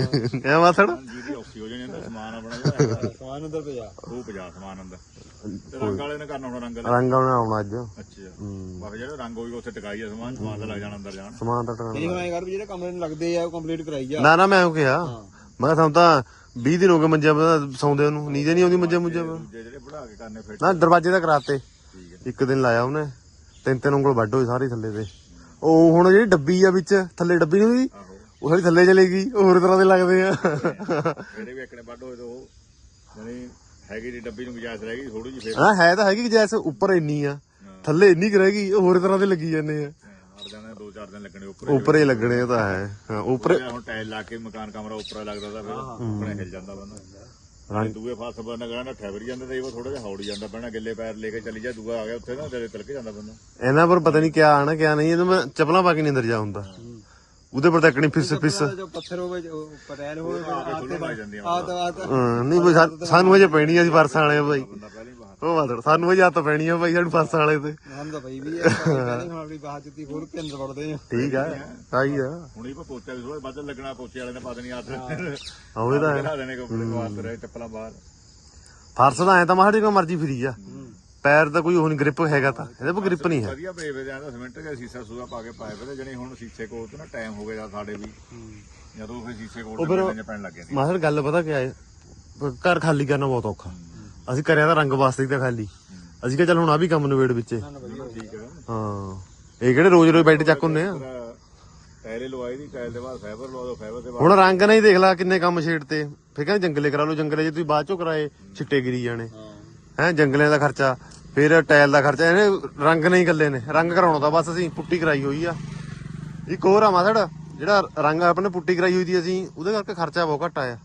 S1: ਐ ਮਾਸੜ
S3: ਜੀ ਦੀ ਔਖੀ ਹੋ ਜਾਣੀ ਅੰਦਰ ਸਮਾਨ ਆਪਣਾ ਜਿਹੜਾ
S2: ਸਮਾਨ ਅੰਦਰ ਪਿਆ
S3: ਉਹ ਪਜਾ ਸਮਾਨ ਅੰਦਰ ਤੇ ਰੰਗ ਵਾਲੇ ਨੇ ਕਰਨਾ ਹੁਣ ਰੰਗ ਦਾ
S1: ਰੰਗ ਆਉਣਾ ਆਉਣਾ ਅੱਜ।
S3: ਅੱਛਾ ਬਾਕੀ ਜਿਹੜੇ ਰੰਗ ਹੋਈ ਉੱਥੇ ਟਿਕਾਈ ਆ ਸਮਾਨ ਸਮਾਨ ਤਾਂ ਲੱਗ ਜਾਣਾ ਅੰਦਰ ਜਾਣ
S1: ਸਮਾਨ ਤਾਂ ਟਿਕਾਣਾ।
S2: ਇਹ ਮੈਂ ਕਰ ਵੀ ਜਿਹੜੇ ਕਮਰੇ ਨੂੰ ਲੱਗਦੇ ਆ ਉਹ ਕੰਪਲੀਟ ਕਰਾਈ ਜਾ।
S1: ਨਾ ਨਾ ਮੈਂ ਉਹ ਕਿਹਾ ਮੈਂ ਕਿਹਾ ਸਾਨੂੰ ਤਾਂ ਵੀਹ ਦਿਨ ਹੋ ਗਏ ਮੰਜਿਆਂ ਤੇ ਸੌਂਦੇ ਉਹਨੂੰ, ਨੀਂਦ ਨਹੀਂ ਆਉਂਦੀ ਮੰਜਿਆਂ ਮੁੰਜਿਆਂ ਤੇ।
S3: ਦੂਜੇ ਜਿਹੜੇ ਬਣਾ ਕੇ ਕਰਨੇ ਫਿਰ
S1: ਨਾ ਦਰਵਾਜ਼ੇ ਤਾਂ ਕਰਾਤੇ, ਇੱਕ ਦਿਨ ਲਾਇਆ ਉਹਨੇ, ਤਿੰਨ ਤਿੰਨ ਉਂਗਲ ਵੱਢ ਹੋਏ ਸਾਰੇ ਥੱਲੇ ਤੇ। ਉਹ ਹੁਣ ਜਿਹੜੀ ਡੱਬੀ ਆ ਵਿੱਚ ਥੱਲੇ ਡੱਬੀ ਨਹੀਂ ਹੋਈ ਉਹ ਸਾਰੀ ਥੱਲੇ ਚਲੇ ਗਈ, ਉਹ ਹੋਰ ਤਰ੍ਹਾਂ ਦੇ ਲੱਗਦੇ ਆ।
S3: ਜਿਹੜੇ ਵੀ ਇੱਕਨੇ ਵੱਢ ਹੋਏ ਤੇ ਉਹ ਜਾਨੀ ਹੈਗੀ ਦੀ ਡੱਬੀ ਨੂੰ ਗੁਜਾਇਸ਼ ਰਹਿ ਗਈ ਥੋੜੀ ਜਿਹੀ ਫੇਰ
S1: ਹਾਂ ਹੈ ਤਾਂ ਹੈਗੀ ਜੈਸ ਉੱਪਰ ਇੰਨੀ ਆ, ਥੱਲੇ ਇੰਨੀ ਕੁ ਰਹਿ ਗਈ, ਉਹ ਹੋਰ ਤਰ੍ਹਾਂ ਦੇ ਲੱਗੀ ਜਾਂਦੇ ਆ।
S3: ਹਟ ਜਾਣਾ ਦੋ ਚਾਰ ਦਿਨ ਲੱਗਣੇ ਉੱਪਰ
S1: ਉੱਪਰ ਹੀ ਲੱਗਣੇ ਤਾਂ ਹੈ। ਹਾਂ ਉੱਪਰ
S3: ਹੁਣ ਟਾਇਲ ਲਾ ਕੇ ਮਕਾਨ ਕਮਰਾ ਉੱਪਰ ਲੱਗਦਾ ਤਾਂ ਫਿਰ ਉੱਪਰ ਹਿੱਲ ਜਾਂਦਾ ਬੰਦਾ। ਦੂਏ ਫਾਸ ਬੰਦਾ ਕਹਿੰਦਾ ਠਹਿਰ ਜਾਂਦਾ ਤੇ ਉਹ ਥੋੜਾ ਜਿਹਾ ਹੌੜੀ ਜਾਂਦਾ ਪੈਣਾ, ਗਿੱਲੇ ਪੈਰ ਲੈ ਕੇ ਚੱਲੀ ਜਾ, ਦੂਆ ਆ ਗਿਆ ਉੱਥੇ ਨਾ ਤੇਰੇ ਤਿਲਕ ਜਾਂਦਾ ਬੰਦਾ।
S1: ਇਹਨਾਂ ਪਰ ਪਤਾ ਨਹੀਂ ਕਿਆ ਆਣਾ ਕਿਆ ਨਹੀਂ, ਇਹਨੂੰ ਮੈਂ ਚੱਪਲਾਂ ਪਾ ਕੇ ਨਹੀਂ ਅੰਦਰ ਜਾ ਹੁੰਦਾ, ਉਹਦੇ ਪਰ ਤੱਕਣੀ ਫਿਸ ਫਿਸ।
S2: ਜੋ ਪੱਥਰ ਹੋਵੇ ਪਟੈਲ ਹੋਵੇ
S3: ਖੁੱਲਣ ਲੱਗ ਜਾਂਦੀਆਂ
S2: ਆ ਤਾਂ ਆ ਤਾਂ
S1: ਹਾਂ ਨਹੀਂ ਬਈ ਸਾ- ਸਾਨੂੰ ਹਜੇ ਪੈਣੀ ਆ, ਅਸੀਂ ਫਰਸਾਂ ਵਾਲੇ ਆ ਬਾਈ।
S3: ਬੰਦਾ ਪਹਿਲਾਂ ਹੀ ਬਾਹਰ
S1: ਉਹ ਮਾਤੜ ਸਾਨੂੰ ਹਜੇ ਹੱਥ ਪੈਣੀ ਆ ਬਾਈ, ਸਾਨੂੰ ਫਰਸਾਂ ਵਾਲੇ ਤੇ।
S2: ਹਮ ਤਾਂ ਪਈ ਵੀ ਹੈ ਪਹਿਲੇ ਹੁਣ ਆਪਣੀ ਬਾਹਰ ਜੁੱਤੀ ਖੋਲ ਕੇ ਅੰਦਰ ਵੜਦੇ ਆ।
S1: ਠੀਕ ਆ ਆਈ ਆ
S3: ਹੁਣੀ ਕੋ ਪੋਚਾ ਵੀ ਥੋੜਾ ਵੱਧ ਲੱਗਣਾ, ਪੋਚੇ ਵਾਲੇ ਨੇ ਪਾ ਦੇਣੀ ਹੱਥ
S1: ਆਉਏ ਤਾਂ
S3: ਲਾ ਦੇਣੇ ਕੱਪੜੇ ਵਾਸਤੇ ਰਹੇ ਚੱਪਲਾਂ ਬਾਹਰ।
S1: ਫਰਸ ਤਾਂ ਐ ਤਾਂ ਮਾੜੀ ਕੋ ਮਰਜੀ ਫਰੀ ਆ, ਪੈਰ ਤਾਂ ਕੋਈ ਉਹ ਨਹੀਂ ਗ੍ਰਿਪ ਹੈਗਾ, ਤਾਂ ਇਹਦੇ ਪਰ ਗ੍ਰਿਪ ਨਹੀਂ ਹੈ।
S3: ਵਧੀਆ ਪਏ ਵੇ ਜਾਂਦਾ ਸੀਮੈਂਟ ਦਾ ਸੀਸਾ ਸੂਆ ਪਾ ਕੇ ਪਾਏ ਵੇ ਜਣੇ ਹੁਣ ਸ਼ੀਸ਼ੇ ਕੋਲ ਤੋਂ ਨਾ ਟਾਈਮ ਹੋ ਗਿਆ ਸਾਡੇ ਵੀ ਜਦੋਂ ਫਿਰ ਸ਼ੀਸ਼ੇ ਕੋਲ ਤੇ ਪੈਣ ਲੱਗੇ ਸੀ।
S1: ਮਾਸੜ ਗੱਲ ਪਤਾ ਕਿਆ ਹੈ, ਘਰ ਖਾਲੀ ਕਰਨਾ ਬਹੁਤ ਔਖਾ। ਅਸੀਂ ਕਰਿਆ ਤਾਂ ਰੰਗ ਵਾਸਤੇ ਹੀ ਤਾਂ ਖਾਲੀ, ਅਸੀਂ ਕਿਹਾ ਚੱਲ ਹੁਣ ਆ ਵੀ ਕੰਮ ਨਵੇੜ ਵਿੱਚ।
S3: ਠੀਕ ਹੈ
S1: ਹਾਂ ਇਹ ਕਿਹੜੇ ਰੋਜ਼ ਰੋਜ਼ ਬੈੱਡ ਚੱਕ ਹੁੰਦੇ ਆ।
S3: ਟਾਇਲੇ ਲਵਾਈ ਦੀ, ਟਾਇਲ ਦੇ ਬਾਅਦ ਫਾਈਬਰ ਲਵਾ ਦੋ, ਫਾਈਬਰ ਦੇ ਬਾਅਦ
S1: ਹੁਣ ਰੰਗ ਨਹੀਂ ਦੇਖ ਲਾ ਕਿੰਨੇ ਕੰਮ ਛੇੜ ਤੇ, ਫਿਰ ਕਹਿੰਦੇ ਜੰਗਲੇ ਕਰਾ ਲਓ, ਜੰਗਲੇ ਜੇ ਤੁਸੀਂ ਬਾਅਦ ਚੋਂ ਕਰਾਏ ਛਿੱਟੇ ਗਿਰੀ ਜਾਣੇ ਹੈ, ਜੰਗਲਿਆਂ ਦਾ ਖਰਚਾ ਫਿਰ ਟਾਇਲ ਦਾ ਖਰਚਾ, ਇਹਨੇ ਰੰਗ ਨਹੀਂ ਗੱਲੇ ਨੇ, ਰੰਗ ਕਰਾਉਣਾ ਤਾਂ ਬਸ ਅਸੀਂ ਪੁੱਟੀ ਕਰਾਈ ਹੋਈ ਆ। ਇੱਕ ਹੋਰ ਆ ਮਾਸੜ, ਜਿਹੜਾ ਰੰਗ ਆਪਣੇ ਪੁੱਟੀ ਕਰਾਈ ਹੋਈ ਦੀ ਅਸੀਂ, ਉਹਦੇ ਕਰਕੇ ਖਰਚਾ ਬਹੁਤ ਘੱਟ ਆਇਆ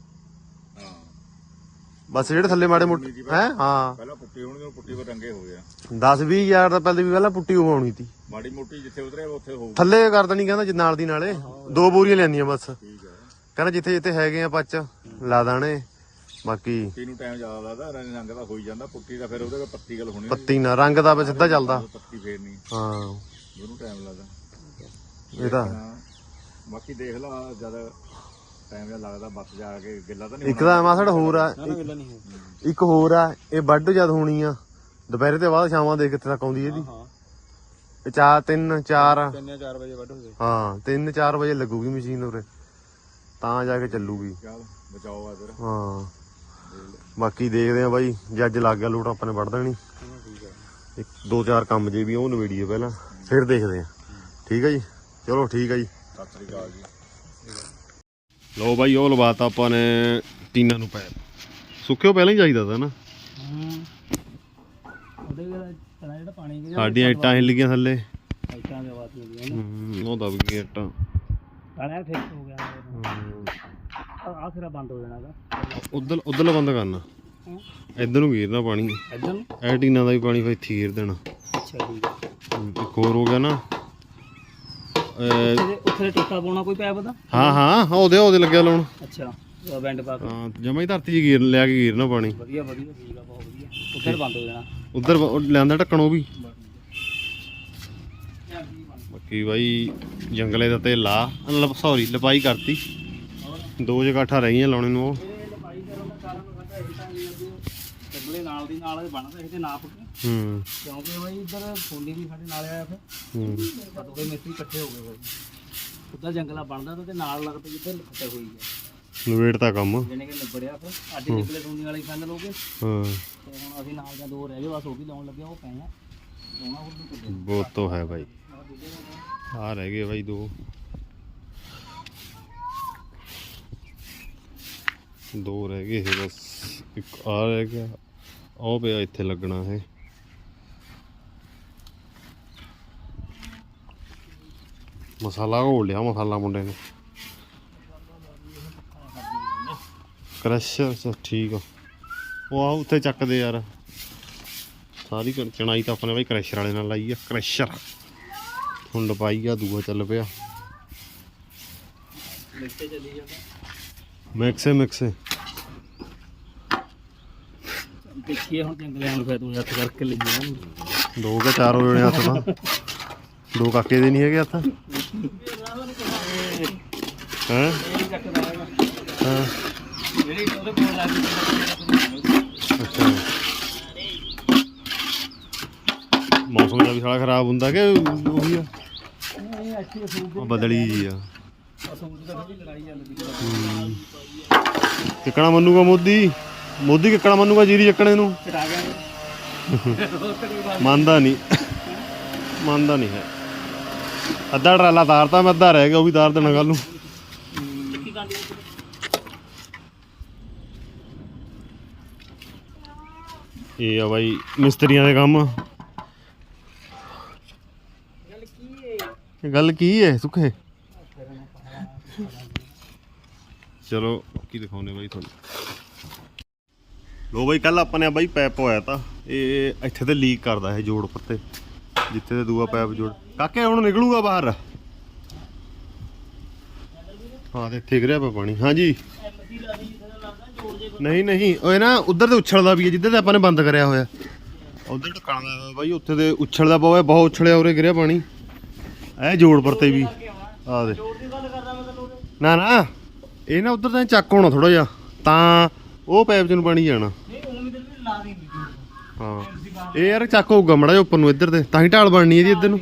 S1: ਬਸ। ਜਿਹੜੇ ਥੱਲੇ ਮਾੜੇ ਮੋਟੇ ਹੈ ਹਾਂ
S3: ਪਹਿਲਾਂ ਪੁੱਟੀ ਹੋਣੀ, ਪੁੱਟੀ ਕੋ ਰੰਗੇ ਹੋ ਗਿਆ
S1: ਦਸ ਵੀਹ ਹਜ਼ਾਰ ਦਾ ਪਹਿਲੇ ਵੀ ਪਹਿਲਾਂ ਪੁੱਟੀ ਹੋਣੀ ਸੀ,
S3: ਮਾੜੀ ਮੋਟੀ ਜਿੱਥੇ ਉਤਰੇ ਉੱਥੇ ਹੋਊ।
S1: ਥੱਲੇ ਕਰ ਦੇਣੀ ਕਹਿੰਦਾ ਜੀ ਨਾਲ ਦੀ ਨਾਲੇ ਦੋ ਬੋਰੀਆਂ ਲੈਣੀਆਂ ਬਸ,
S3: ਠੀਕ ਹੈ
S1: ਕਹਿੰਦਾ ਜਿੱਥੇ ਜਿੱਥੇ ਹੈਗੇ ਆ ਪੱਚ ਲਾ ਦਾਣੇ, ਬਾਕੀ
S3: ਪੁੱਟੀ ਨੂੰ ਟਾਈਮ ਜ਼ਿਆਦਾ ਲੱਗਦਾ, ਰੰਗ ਰੰਗ ਦਾ ਹੋਈ ਜਾਂਦਾ, ਪੁੱਟੀ ਦਾ ਫਿਰ ਉਹਦੇ ਪੱਤੀ ਗੱਲ ਹੋਣੀ,
S1: ਪੱਤੀ ਨਾ ਰੰਗ ਦਾ ਵੀ ਸਿੱਧਾ ਚੱਲਦਾ।
S3: ਪੱਤੀ ਫੇਰਨੀ
S1: ਹਾਂ
S3: ਉਹਨੂੰ ਟਾਈਮ ਲੱਗਦਾ
S1: ਇਹ ਤਾਂ
S3: ਬਾਕੀ ਦੇਖ ਲਾ ਜਦ ਟਾਈਮ ਜਿਹਾ ਲੱਗਦਾ ਬੱਤ ਜਾ ਕੇ ਗਿੱਲਾ ਤਾਂ ਨਹੀਂ
S1: ਇੱਕ ਤਾਂ ਮਾਸੜ ਹੋਰ ਆ,
S2: ਨਾ ਮਿਲਣਾ ਨਹੀਂ ਹੈ।
S1: ਇੱਕ ਹੋਰ ਆ, ਇਹ ਵੱਢ ਜਦ ਹੋਣੀ ਆ ਦੁਪਹਿਰੇ ਤੇ ਬਾਅਦ ਸ਼ਾਮਾਂ ਦੇ ਕਿੱਥੇ ਤੱਕ ਆਉਂਦੀ ਇਹਦੀ,
S2: ਹਾਂ
S1: ਇਹ ਚਾਰ ਤਿੰਨ ਚਾਰ
S2: ਤਿੰਨ ਚਾਰ ਵਜੇ ਵੱਢ ਹੋ ਗਏ।
S1: ਹਾਂ ਤਿੰਨ ਚਾਰ ਵਜੇ ਲੱਗੂਗੀ ਮਸ਼ੀਨ ਉਰੇ, ਤਾਂ ਜਾ ਕੇ ਚੱਲੂਗੀ।
S3: ਚੱਲ ਬਚਾਓ ਆ ਤੇਰਾ।
S1: ਹਾਂ ਬਾਕੀ ਦੇਖਦੇ ਆ ਬਾਈ, ਜੇ ਅੱਜ ਲੱਗ ਗਿਆ ਲੋਟ ਆਪਾਂ ਨੇ ਵੱਢ ਦੇਣੀ।
S2: ਠੀਕ ਹੈ
S1: ਇੱਕ ਦੋ ਚਾਰ ਕੰਮ ਜੇ ਵੀ ਉਹ ਨਵੇੜੀਏ ਪਹਿਲਾਂ, ਫਿਰ ਦੇਖਦੇ ਆ। ਠੀਕ ਹੈ ਜੀ, ਚਲੋ ਠੀਕ ਹੈ ਜੀ,
S3: ਸਤਿ ਸ੍ਰੀ ਅਕਾਲ ਜੀ।
S1: ਲਓ ਬਾਈ ਉਹ ਲਵਾਤਾ ਆਪਾਂ ਨੇ ਟੀਨਾਂ ਨੂੰ ਪੈਰ, ਸੁੱਕਿਓ ਪਹਿਲਾਂ ਹੀ ਚਾਹੀਦਾ ਤਾਂ ਨਾ,
S2: ਉਹਦੇ ਜਿਹੜਾ ਪਾਣੀ
S1: ਸਾਡੀਆਂ ਇੱਟਾਂ ਹਿੱਲ ਗਈਆਂ ਥੱਲੇ,
S2: ਇੱਟਾਂ ਦੇ ਆਵਾਜ਼ ਹੁੰਦੀ ਹੈ
S1: ਹੂੰ ਉਹ ਦਬ ਗਈਆਂ ਇੱਟਾਂ।
S2: ਕਾਲਿਆ ਫਿਕਸ ਹੋ ਗਿਆ, ਆ ਸਿਰਾ ਬੰਦ ਹੋ ਜਾਣਾ ਦਾ।
S1: ਉਧਰ ਉਧਰਲਾ ਬੰਦ ਕਰਨਾ, ਇੱਧਰ ਨੂੰ ਗੀਰਨਾ ਪਾਣੀ,
S2: ਇੱਧਰ ਨੂੰ
S1: ਇਹ ਟੀਨਾਂ ਦਾ ਵੀ ਪਾਣੀ ਫਿਰ ਇੱਥੇ ਗੀਰ ਦੇਣਾ।
S2: ਅੱਛਾ ਠੀਕ ਹੈ।
S1: ਹੂੰ, ਇੱਕ ਹੋਰ ਹੋ ਗਿਆ ਨਾ
S2: ਉੱਥੇ ਉੱਥੇ ਟੋਕਾ ਪਾਉਣਾ ਕੋਈ ਪੈਪ ਦਾ?
S1: ਹਾਂ ਹਾਂ ਉਹਦੇ ਉਹਦੇ ਲੱਗਿਆ ਲਾਉਣ।
S2: ਅੱਛਾ ਬੈਂਡ ਪਾ ਕੇ
S1: ਹਾਂ ਜਮਾ ਹੀ ਧਰਤੀ 'ਚ ਗੀਰ ਲਿਆ ਕੇ ਗੀਰਨਾ ਪਾਣੀ।
S2: ਵਧੀਆ ਵਧੀਆ ਠੀਕ ਆ, ਬਹੁਤ ਵਧੀਆ। ਉੱਧਰ ਬੰਦ ਹੋ ਜਾਣਾ,
S1: ਉਧਰ ਲਿਆਂਦਾ ਢੱਕਣ ਉਹ ਵੀ। ਬਾਕੀ ਬਾਈ ਜੰਗਲੇ ਦਾ ਤੇ ਲਾ ਸੌਰੀ ਲਪਾਈ ਕਰਤੀ, ਦੋ ਜਗਾਠਾਂ ਰਹੀਆਂ ਲਾਉਣੇ ਨੂੰ। ਉਹ
S2: ਜੰਗਲੇ ਨਾਲ ਦੀ ਨਾਲ ਬਣਦਾ ਇਹ ਤੇ ਨਾਪ ਕੇ,
S1: ਹੂੰ
S2: ਕਿਉਂਕਿ ਬਾਈ ਇੱਧਰ ਫੋਲੀ ਵੀ ਸਾਡੇ ਨਾਲ ਆਇਆ, ਫਿਰ
S1: ਹੂੰ
S2: ਦੋਵੇਂ ਮਿਸਤਰੀ ਇਕੱਠੇ ਹੋ ਗਏ ਬਾਈ। ਉੱਧਰ ਜੰਗਲਾ ਬਣਦਾ ਤੇ ਨਾਲ ਲੱਗਦਾ ਜਿੱਧਰ ਖੱਟੇ ਹੋਈ ਹੈ,
S1: ਨਵੇੜ ਤਾਂ ਕੰਮ।
S2: ਜਿਹਨੇ ਕਿ ਨਿਬੜਿਆ। ਫਿਰ ਅੱਜ ਨਿਕਲੇ ਫੋਲੀ ਵਾਲੀ ਫਾਈਨਲ ਹੋ ਗਏ,
S1: ਹਾਂ
S2: ਤੇ ਹੁਣ ਅਸੀਂ ਨਾਲ ਜਾਂ ਦੋ ਰਹਿ ਗਏ ਬਸ, ਉਹ ਵੀ ਲਾਉਣ ਲੱਗੇ, ਉਹ ਪਏ ਆ ਦੋਣਾ ਹੋਰ ਵੀ ਕੁੱਦੇ।
S1: ਬਹੁਤ ਤੋਂ ਹੈ ਬਾਈ, ਆ ਰਹਿ ਗਏ ਬਾਈ ਦੋ ਦੋ ਰਹਿ ਗਏ ਇਹ ਬਸ, ਇੱਕ ਆ ਰਹਿ ਗਿਆ, ਉਹ ਪਿਆ ਇੱਥੇ ਲੱਗਣਾ ਹੈ। ਮਸਾਲਾ ਘੋਲ ਲਿਆ ਮਸਾਲਾ ਮੁੰਡੇ ਨੇ, ਕ੍ਰਸ਼ਰ ਸ ਠੀਕ ਆ। ਉਹ ਆ ਉੱਥੇ ਚੱਕਦੇ ਯਾਰ, ਸਾਰੀ ਕਣ- ਚਣਾਈ ਤਾਂ ਆਪਣੇ ਬਾਈ ਕ੍ਰਸ਼ਰ ਵਾਲੇ ਨਾਲ ਲਾਈ ਆ, ਕ੍ਰਸ਼ਰ ਹੁਣ ਲਪਾਈ ਆ, ਦੂਆ ਚੱਲ ਪਿਆ
S2: ਮਿੱਟੇ ਚੱਲੀ ਜਾਂਦਾ,
S1: ਮਿਕਸੇ ਮਿਕਸੇ
S4: ਦੇਖੀਏ ਹੁਣ ਜੰਗਲਿਆਂ ਨੂੰ ਫਿਰ ਤੂੰ ਹੱਥ ਕਰਕੇ ਲਈ ਜਾਣਾ
S1: ਦੋ ਕੇ ਚਾਰ ਹੋ ਜਾਣੇ ਹੱਥ ਤਾਂ ਦੋ ਕਾਕੇ ਦੇ ਨਹੀਂ ਹੈਗੇ ਹੱਥ ਹੈਂ ਹਾਂ
S4: ਜਿਹੜੀ ਉਹਦੇ ਕੋਲ ਲੱਗ
S1: ਅੱਛਾ ਮੌਸਮ ਦਾ ਵੀ ਸਾਲਾ ਖਰਾਬ ਹੁੰਦਾ ਕਿ ਉਹੀ ਆ
S4: ਇਹ ਅੱਛੀ ਅਸੂਲ
S1: ਉਹ ਬਦਲੀ ਜੀ ਆ
S4: ਅਸੂਲ ਦੀ ਥੋੜੀ ਲੜਾਈ ਚੱਲਦੀ
S1: ਕਿੱਕਣਾ ਮੰਨੂਗਾ ਮੋਦੀ ਮੋਦੀ ਕਿੱਕਣਾ ਮੰਨੂਗਾ ਜੀਰੀ ਚੱਕਣੇ ਨੂੰ
S4: ਚੜਾ ਗਿਆ
S1: ਮੰਨਦਾ ਨਹੀਂ ਮੰਨਦਾ ਨਹੀਂ ਹੈ ਅੱਧਾ ਟਰਾਲਾ ਤਾਰਤਾ ਮੈਂ ਅੱਧਾ ਰਹਿ ਗਿਆ ਉਹ ਵੀ ਤਾਰ ਦੇਣਾ ਕੱਲ ਨੂੰ ਇਹ ਆ ਬਾਈ ਮਿਸਤਰੀਆਂ ਦੇ ਕੰਮ ਗੱਲ ਕੀ ਹੈ ਸੁੱਖੇ ਚਲੋ ਕੀ ਦਿਖਾਉਨੇ ਬਾਈ ਤੁਹਾਨੂੰ ਲੋ ਬਾਈ ਕੱਲ ਆਪਾਂ ਨੇ ਬਾਈ ਪੈਪ ਹੋਇਆ ਤਾਂ ਇਹ ਇੱਥੇ ਤੇ ਲੀਕ ਕਰਦਾ ਇਹ ਜੋੜ ਪੱਤੇ ਜਿੱਥੇ ਤੇ ਦੂਆ ਪੈਪ ਜੋੜ ਕਾਕੇ ਹੁਣ ਨਿਕਲੂਗਾ ਬਾਹਰ ਹਾਂ ਤੇ ਇੱਥੇ ਗਿਰਿਆ ਪਿਆ ਪਾਣੀ ਹਾਂਜੀ ਨਹੀਂ ਨਹੀਂ ਉਹ ਨਾ ਉਧਰ ਤੇ ਉਛਲਦਾ ਵੀ ਹੈ ਜਿੱਧਰ ਤੇ ਆਪਾਂ ਨੇ ਬੰਦ ਕਰਿਆ ਹੋਇਆ ਉਧਰ ਟਕਾਣਾ ਬਾਈ ਉੱਥੇ ਤੇ ਉਛਲਦਾ ਪਵੇ ਬਹੁਤ ਉਛਲਿਆ ਉਰੇ ਗਿਰਿਆ ਪਾਣੀ ਇਹ ਜੋੜ ਪਰਤੇ ਵੀ ਆ ਦੇ ਨਾ ਨਾ ਇਹ ਨਾ ਉਧਰ ਤਾਂ ਚੱਕ ਹੋਣਾ ਥੋੜਾ ਜਿਹਾ ਤਾਂ ਉਹ ਪੈਪ ਚ ਨੂੰ ਪਾਣੀ ਜਾਣਾ ਹਾਂ ਇਹ ਯਾਰ ਚੱਕ ਹੋਊਗਾ ਮੜਾ ਜਿਹਾ ਉੱਪਰ ਨੂੰ ਇੱਧਰ ਤੇ ਤਾਂ ਹੀ ਢਾਲ ਬਣਨੀ ਇਹਦੀ ਇੱਧਰ ਨੂੰ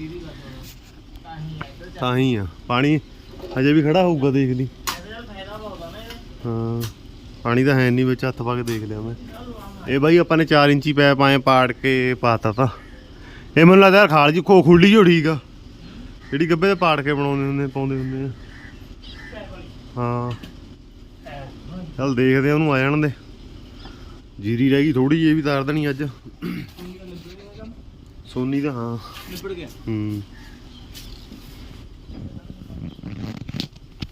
S1: ਤਾਂ ਹੀ ਆ ਪਾਣੀ ਹਜੇ ਵੀ ਖੜਾ ਹੋਊਗਾ ਦੇਖ ਲਈ ਹਾਂ ਪਾਣੀ ਤਾਂ ਹੈ ਨਹੀਂ ਵਿੱਚ ਹੱਥ ਪਾ ਕੇ ਦੇਖ ਲਿਆ ਮੈਂ ਇਹ ਬਾਈ ਆਪਾਂ ਨੇ ਚਾਰ ਇੰਚੀ ਪੈਪ ਆਏ ਪਾੜ ਕੇ ਪਾਤਾ ਤਾਂ ਇਹ ਮੈਨੂੰ ਲੱਗਦਾ ਯਾਰ ਖਾਲ ਜੀ ਖੋ ਖੁੱਲੀ ਜੋ ਠੀਕ ਆ ਜਿਹੜੀ ਗੱਬੇ ਤੇ ਪਾੜ ਕੇ ਬਣਾਉਂਦੇ ਹੁੰਦੇ ਪਾਉਂਦੇ ਹੁੰਦੇ ਆ ਹਾਂ ਚੱਲ ਦੇਖਦੇ ਆ ਉਹਨੂੰ ਆ ਜਾਣ ਦੇ ਜੀਰੀ ਰਹਿ ਗਈ ਥੋੜੀ ਜਿਹੀ ਵੀ ਤਾਰ ਦੇਣੀ ਅੱਜ ਸੋਨੀ ਦਾ ਹਾਂ
S4: ਨਿਬੜ ਗਿਆ
S1: ਹੂੰ